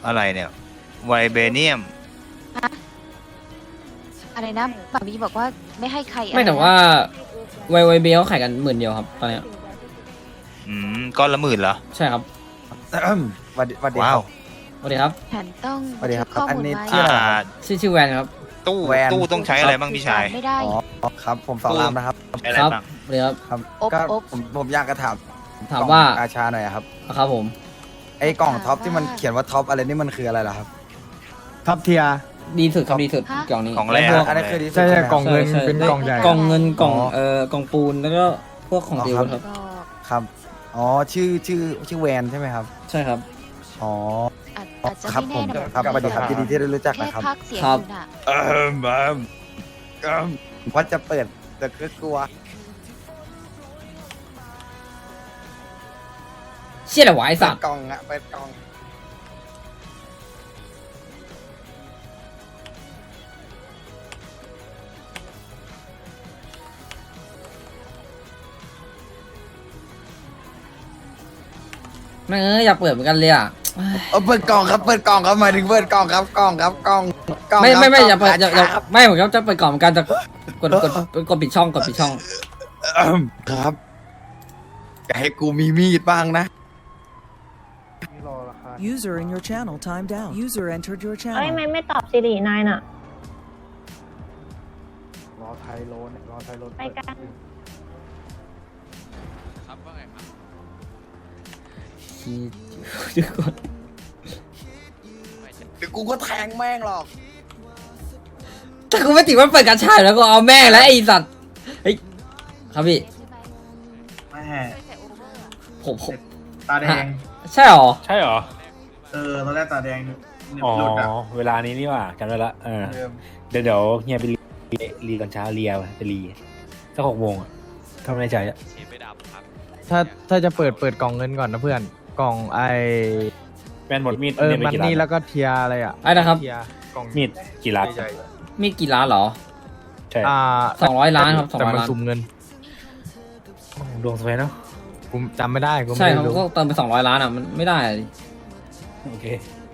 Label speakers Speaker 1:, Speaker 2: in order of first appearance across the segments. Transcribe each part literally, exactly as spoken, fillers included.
Speaker 1: อะไรเนี่ยไวเบเนียม
Speaker 2: อะไรนะปามีบอกว่าไม่ให้ใคร
Speaker 3: ไม่แต่
Speaker 2: อะรนะ
Speaker 3: ว่าไวไวเบลขายกันหมื่นเดียวครับตอนเนี้ย
Speaker 1: อืมก้อนละหมื่นเหรอ
Speaker 3: ใช่ครับ
Speaker 4: สวัสดีสวัสดี
Speaker 1: ว้า
Speaker 4: คว รับ
Speaker 3: สวัสดีครับ
Speaker 2: แผนต้อง
Speaker 4: สวัสดีครับ
Speaker 2: ข้อ
Speaker 4: อัน
Speaker 2: มูล
Speaker 4: นี้
Speaker 2: ไว้
Speaker 4: ชื่อ
Speaker 1: อ่า
Speaker 3: ชื่อชื่อแวนครับ
Speaker 1: ตู้
Speaker 4: แวน
Speaker 1: ตู้ต้องใช้อะไรบ้างพี่ชาย
Speaker 2: ไม่ได้
Speaker 4: อ๋อครับ ผมสอนรามนะครับ
Speaker 1: ใช้อะไร
Speaker 3: ครับ
Speaker 1: บ้าง
Speaker 3: สวัสดีครับ
Speaker 4: ครับ
Speaker 2: อบ
Speaker 4: ก็
Speaker 2: อบ
Speaker 4: ผมผมอยากจะถาม
Speaker 3: ถามว่า
Speaker 4: กล่องกาชาหน่อยครับ
Speaker 3: อ่ะครับผม
Speaker 4: ไอ้กล่องท็อปที่มันเขียนว่าท็อปอะไรนี่มันคืออะไรล่ะครับ
Speaker 5: ท็อปเทีย
Speaker 3: ดีสุดครับดีสุดกล่องนี้
Speaker 1: ของอะไร
Speaker 3: แล้วพวก
Speaker 1: ฮะ
Speaker 4: อันนี้คือที่สุด
Speaker 5: ใช่ใช่
Speaker 4: ไหม
Speaker 5: กล่องเงิน
Speaker 3: ใช่ใช่
Speaker 5: เป็นกล่องใหญ่
Speaker 3: กล่องเงินกล่อง
Speaker 4: อ๋อ
Speaker 3: เอ่อกล่องปูนแล้วก็พวกของ
Speaker 4: อ๋อ
Speaker 3: ดี
Speaker 4: ครับ
Speaker 3: ครับ
Speaker 2: ก็
Speaker 4: ครับอ๋อชื่อชื่อชื่อแวนใช่ไหมครับ
Speaker 3: ใช่ครับ
Speaker 4: อ๋อ
Speaker 2: อาจอาจจะ
Speaker 4: ครับ
Speaker 2: ไม่
Speaker 4: ผ
Speaker 2: แน่
Speaker 4: ม
Speaker 2: นะครับ
Speaker 4: สวัสดีครับยินดีที่ได้รู้จัก
Speaker 2: แค่
Speaker 4: นะครับ
Speaker 2: พักเสียง
Speaker 3: ครับ
Speaker 2: อยู่น่ะ
Speaker 4: เออมาก็ว่าจะเปิดแต่ก็กลัว
Speaker 3: เชี่ยอะไรวะไอสั
Speaker 4: เปิ
Speaker 3: ต
Speaker 4: ด
Speaker 3: ว์
Speaker 4: กล่องอะเปิดกล่อง
Speaker 3: แม่งเอ้ยอยากเปิดเหมือนกันเลยอ่ะ
Speaker 4: เออเปิดกล่องครับเปิดกล่องครับหมายถึงเปิดกล่องครับกล่องครับกล่องกล่อง
Speaker 3: ไม่
Speaker 4: ครับ
Speaker 3: ไม่ไม่อย่า
Speaker 4: ก
Speaker 3: เปิ
Speaker 4: ล่
Speaker 3: ด
Speaker 4: ง
Speaker 3: อย่าอย่า
Speaker 4: ครับ
Speaker 3: ไม่ผมก็จะเปิดกล่องเหมือนกันจะกดกดกดปิดช่องกดปิดช่อง
Speaker 4: เอิ่มครับอย่าให้กูมีมีดบ้างนะ
Speaker 6: User in your channel timed out. User entered your
Speaker 7: เอ้ย
Speaker 6: channel.
Speaker 7: ไม่ไม่ตอบสิรินายน่ะ
Speaker 5: รอไทยโลนรอไทยโลน
Speaker 7: ไปกัน
Speaker 3: ทุกคน
Speaker 4: เดี๋ยวกูก็แทงแม่งหรอก
Speaker 3: ถ้ากูไม่ติดว่าเปิดการฉายแล้วก็เอาแม่งแล้วไอสัตว์เฮ้ยครับพี่
Speaker 8: แม่
Speaker 3: ผมผม
Speaker 8: ตาแดง
Speaker 3: ใช่หรอ
Speaker 9: ใช่เหรอ
Speaker 8: เออตอนแรกตาแดง
Speaker 9: อ๋อ
Speaker 8: หลุดอ่ะ
Speaker 9: เวลานี้นี่หว่าจำได้ละเออ
Speaker 8: เดิม
Speaker 9: เดี๋ยวเดี๋ยวเฮียไปรีรีตอนเช้าเรียไปรีสักหกโมงอะทำในใจอะ
Speaker 5: ถ้าถ้าจะเปิดเปิดกล่องเงินก่อนนะเพื่อน กล่องไอ
Speaker 9: แมนหมดมีด
Speaker 5: เออ
Speaker 9: ไป
Speaker 5: มัน
Speaker 9: กี่ล้า
Speaker 5: นี่
Speaker 9: น
Speaker 5: แล้วก็เทียอะไรอ่ะ
Speaker 3: ไอ้นะครับ
Speaker 5: เทียกล่อง
Speaker 9: มีดกี่ล้าน
Speaker 5: ใหญ่
Speaker 3: มีกี่ล้านเหรอ
Speaker 9: ใช่
Speaker 5: ๆอ่า
Speaker 3: สองร้อยล้านครับสอง
Speaker 5: แต่
Speaker 3: ร้อย
Speaker 5: มัน
Speaker 3: ล้าน
Speaker 5: สุ่มเงิน
Speaker 9: ดวงสวยเนาะ
Speaker 5: กูจำไม่ได้กู
Speaker 3: ใช่
Speaker 5: ไม่
Speaker 3: เขา
Speaker 5: รู้
Speaker 3: ก็เติมไปสองร้อยล้านอ่ะมันไม่ได้อะดิ
Speaker 9: โอเค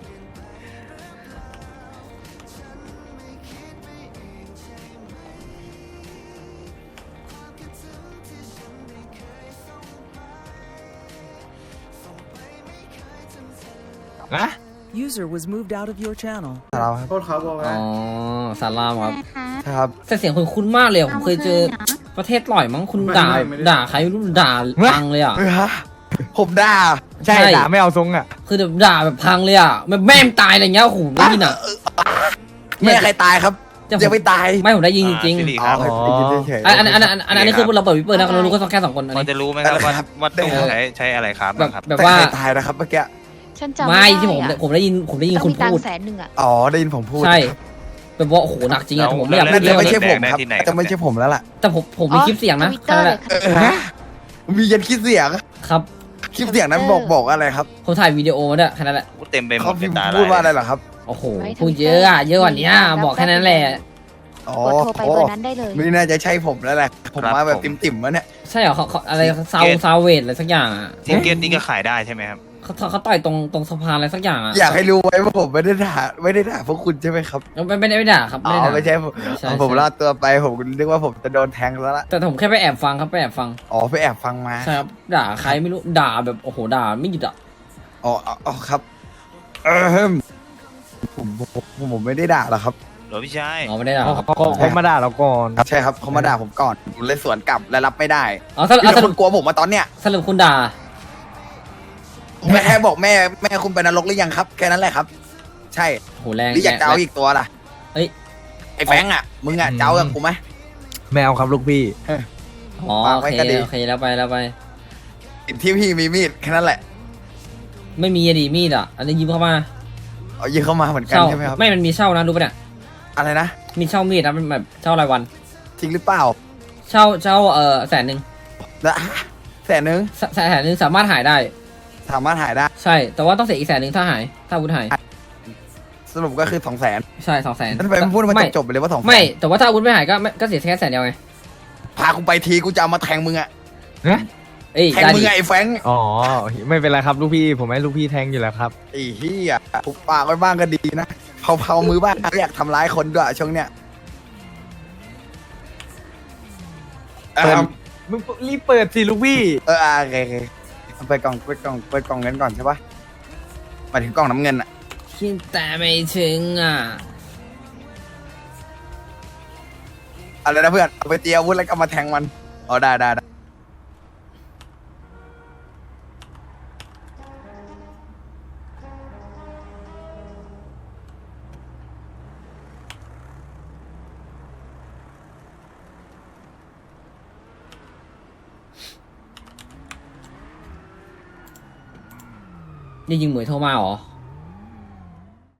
Speaker 5: นะ
Speaker 6: User was moved out of your channel.
Speaker 4: เราครับ
Speaker 8: โทษเขาบอก
Speaker 3: อ๋
Speaker 8: ว่า
Speaker 3: อสารามครับ
Speaker 4: ครับ
Speaker 3: แต่เสียงคุณคุ้นมากเลยอะผมเคยเจอประเทศลอยมั้งคุณด่าด่าใครไม่รู้ด่าพังเลยอ่ะ
Speaker 4: เออฮะผมด่า
Speaker 5: ใช่
Speaker 3: ใช่
Speaker 5: ด่าไม่เอาทรงอ่ะ
Speaker 3: คือแบบด่าแบบพังเลยอ่ะแบบแม่มตายอะไรเงี้ยโอ้โหได้ยินอ่ะ
Speaker 4: แม่ใครตายครับ
Speaker 3: จะ
Speaker 4: ยังไม่ตาย
Speaker 3: ไม่ผมได้ยินจริง
Speaker 1: อ่าสิริ
Speaker 3: ๆ
Speaker 1: ครับ
Speaker 4: อ๋อได้ยินเฉยๆ
Speaker 3: อันอันอันอันอันอันนี้คือเราเปิดวิปเปอร์นะเรารู้ก็แค่สองคนอัน
Speaker 1: พอ
Speaker 3: นี้
Speaker 1: จะรู้ไหมครับว่าว่าตู้ใช้ใช้อะไรครับ
Speaker 3: แบบ
Speaker 1: บ้างครับ
Speaker 3: แบบ
Speaker 4: แต่
Speaker 3: ว่า
Speaker 4: ใครตายนะครับเมื่อกี้
Speaker 2: ฉันจำ
Speaker 3: ไม่
Speaker 2: ไม่
Speaker 3: ที่ผม
Speaker 2: ได้อะ
Speaker 3: ผมได้ยินผมได้ยิน
Speaker 2: ต้อง
Speaker 3: คุณ
Speaker 2: มีตัง
Speaker 3: พูด
Speaker 2: ค์แสนหนึ่งอะ
Speaker 4: อ๋อได้ยินผมพูด
Speaker 3: ใช่แบบว่าโอ้โหหนักจริงอะแต่ผมไม่อยากพู
Speaker 4: น่า
Speaker 3: ด
Speaker 4: จะ
Speaker 3: เรื่อง
Speaker 4: ไม่
Speaker 3: นี้
Speaker 4: ใช่ผมครับ
Speaker 1: ที่ไหน
Speaker 4: น่าจะไม่ใช่ผมแล้วล่ะ
Speaker 3: แต่ผมผมมีคลิปเสียงนะ
Speaker 2: ทวิตเตอร์เลย
Speaker 4: เออฮะมียันคลิปเสียง
Speaker 3: ครับ
Speaker 4: คลิปเสียงนั้นบอกบอกอะไรครับ
Speaker 3: ผมถ่ายวิดีโอมาด้วยแค่นั้นแหละ
Speaker 1: พูดเต็มไปหม
Speaker 4: เขา
Speaker 1: ด
Speaker 4: พิมพ์
Speaker 1: ตา
Speaker 4: พูดว่าอะไรเหรอครับ
Speaker 3: โอ้โหพูดเยอะอะเยอะกว่านี้บอกแค่นั้นแหละ
Speaker 4: อ๋อก
Speaker 2: ดโทรไปเบอร์นั้นได้เลย
Speaker 4: ไม่น่าจะใช่ผมแล้วแหละผมมาแบบติ่มๆวะเนี่ย
Speaker 3: ใช่เหรอเขาเขาอะไรซาวซาวเวทอะไรสักอย่างอะ
Speaker 1: ทิเก็ตนี่ก็ขายได้ใช่ไหมครับ
Speaker 3: เขาเขาเขาต่อยตรงตรงสะพานอะไรสักอย่างอะ
Speaker 4: อยากให้รู้ไว้ว่าผมไม่ได้ด่าไม่ได้ด่าพวกคุณใช่ไหมครับ
Speaker 3: ไม่ไม่ได้ไม่ด่าครับ
Speaker 4: อ๋
Speaker 3: ไม่ได้ด่า
Speaker 4: อไม่ใช่ผม
Speaker 3: ใช่
Speaker 4: อ๋อผม
Speaker 3: ใช่
Speaker 4: รอดตัวไปผมนึกว่าผมจะโดนแทงแล้วล่ะ
Speaker 3: แต่ผมแค่ไปแอบฟังครับไปแอบฟัง
Speaker 4: อ๋อไปแอบฟังมา
Speaker 3: ใช่ครับด่าใครไม่รู้ด่าแบบโอ้โหด่าไม่หยุดอ่ะ
Speaker 4: อ๋ออ๋ออ๋อครับเออผมผมผมผมไม่ได้ด่าหรอกครับ
Speaker 1: หรอพี่ชาย
Speaker 3: อ๋อไม่ได้ด่า
Speaker 5: เขา
Speaker 3: ครับ
Speaker 5: เขาเขามาด่าเราก่อน
Speaker 4: ใช่ครับเขามาด่าผมก่อนผมเลยสวนกลับและรับไม่ได้
Speaker 3: อ๋อสรุป
Speaker 4: พี่
Speaker 3: อ๋อส
Speaker 4: ค
Speaker 3: รุป
Speaker 4: นกลัวผมมาตอนเนี้ย
Speaker 3: สรุปคุณด่า
Speaker 4: แม่แค่บอกแม่แม่คุณไปนรกหรือยังครับแค่นั้นแหละครับ ใช่
Speaker 3: โหแรง
Speaker 4: หรืออยากเจ้า
Speaker 3: แรง
Speaker 4: อีกตัวล่ะ
Speaker 3: เฮ้ย
Speaker 4: ไอ้แฟงอ่ะมึงอ่ะเจ้ากับกูไหม
Speaker 5: ไม่เอาครับลูกพี่
Speaker 3: อ๋อ
Speaker 4: วาง
Speaker 3: โอ
Speaker 4: ไว้
Speaker 3: เค
Speaker 4: ก็ดี
Speaker 3: โอเคแล้วไปแล้วไป
Speaker 4: ที่พี่มีมีดแค่นั้นแหละ
Speaker 3: ไม่มีอะดีมีดอ่ะอันนี้ยิ้มเข้ามา
Speaker 4: เอายิงเข้ามาเหมือนกัน
Speaker 3: เช่า
Speaker 4: ใช่ไหมครับ
Speaker 3: ไม่มันมีเช่านะรู้ปะเนี่ย
Speaker 4: อะไรนะ
Speaker 3: มีเช่ามีดนะมันแบบเช่ารายวัน
Speaker 4: จริงหรือเปล่า
Speaker 3: เช่าเช่าเออแสนหนึ่ง
Speaker 4: แล้วแสนนึง
Speaker 3: แสแสนหนึ่งสามารถหายได้
Speaker 4: สามารถหายได้
Speaker 3: ใช่ แต่ว่าต้องเสียอีกแสนหนึ่งถ้าหายถ้าอาวุธหาย
Speaker 4: สรุปก็คือสองแสน
Speaker 3: ใช่สองแสน
Speaker 4: ทำไมไม่พูดมาจบๆไปเลยว่าสองแสน
Speaker 3: ไม่แต่ว่าถ้าอาวุธไม่หายก็ไม่ก็เสียแค่แสนเดียวไง
Speaker 4: พากูไปทีกูจะเอามาแทงมึงอ่ะ
Speaker 5: นะ
Speaker 3: เอ้ย
Speaker 4: แทง
Speaker 3: ได้
Speaker 4: มึ
Speaker 3: ดิ
Speaker 4: งไงไอ้แฟรงค์
Speaker 5: อ๋อ ไม่เป็นไรครับลูกพี่ผมให้ลูกพี่แทงอยู่แล้วครับ
Speaker 4: ไอ้เหี้ยทุบปากไว้บ้างก็ดีนะเผาเผามือบ้างไม่อยากทำร้ายคนด้วยช่วงเนี้ย เอ
Speaker 5: เปิด
Speaker 4: อ
Speaker 5: มึงรีบเปิดสิลูกพี่
Speaker 4: เอออ่ะโอเคโอเคเอาไปดกล่องเปิดกล่องเปิดกล่องเงินก่อนใช่ปะหมายถึงกล่องน้ำเงินอะ
Speaker 3: คิดแต่ไม่ถึงอ่ะ
Speaker 4: อะไรนะเพื่อนเอาไปเตรียมอาวุธแล้วก็มาแทงมันอ๋อได้ได้ได้
Speaker 3: นี่ยิงเหมยโทรมาเหรอ